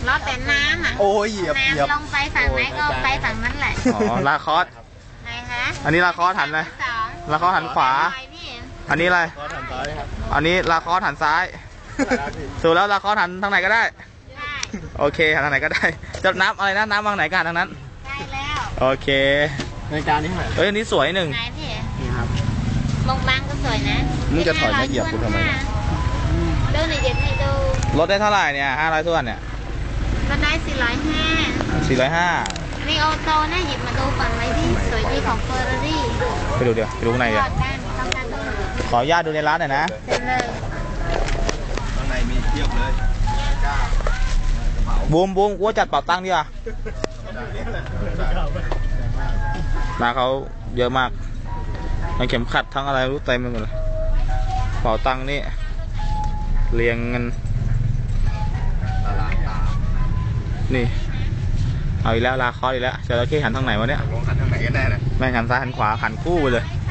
ล้อแต่น้ำอ่ะโอ้ยเหยียบน้ำลงไปฝั่งไหนก็ไปฝั่งนั้นแหละอ๋อลาคอสไหนคะอันนี้ลาคอสหันเลยลาคอสหันขวาอันนี้อะไรก็ทำซ้ายครับอันนี้ลาคอสหันซ้ายสูแล้วลาคอสหันทางไหนก็ได้ได้โอเคหันทางไหนก็ได้จะน้ำอะไรนะน้ำวางไหนกันทางนั้นได้แล้วโอเคในการนี้เท่าไหร่เอ้ยอันนี้สวยหนึ่งไหนพี่นี่ครับมงบางก็สวยนะมึงจะถอยมาเหยียบกูทำไมดูหน่อยเด็ดให้ดูลดได้เท่าไหร่เนี่ย500 ถ้วนเนี่ยก็ได้405 405 นี่โอโตนะหยิบมาดูฝั่งไหนที่สวยดีของเฟอร์รารี่ไปดูเดี๋ยวไปดูข้างในเดี๋ยวต้องการดูขออนุญาตดูในร้านหน่อยนะเสร็จเลยข้างในมีเทียบเลยบูมกูว่าจัดเป่าตังค์ดีกว่ามาเขาเยอะมากทั้งเข็มขัดทั้งอะไรรู้เต็มไปหมดเลยเป่าตังค์นี่เรียงกันนี่เอาอีกแล้วลาคอสอีกแล้วจระเข้หันทางไหนวะเนี่ยลงขันทางไหนกันแน่เลยแม่งหันซ้ายหันขวาหันคู่ไปเลยไหน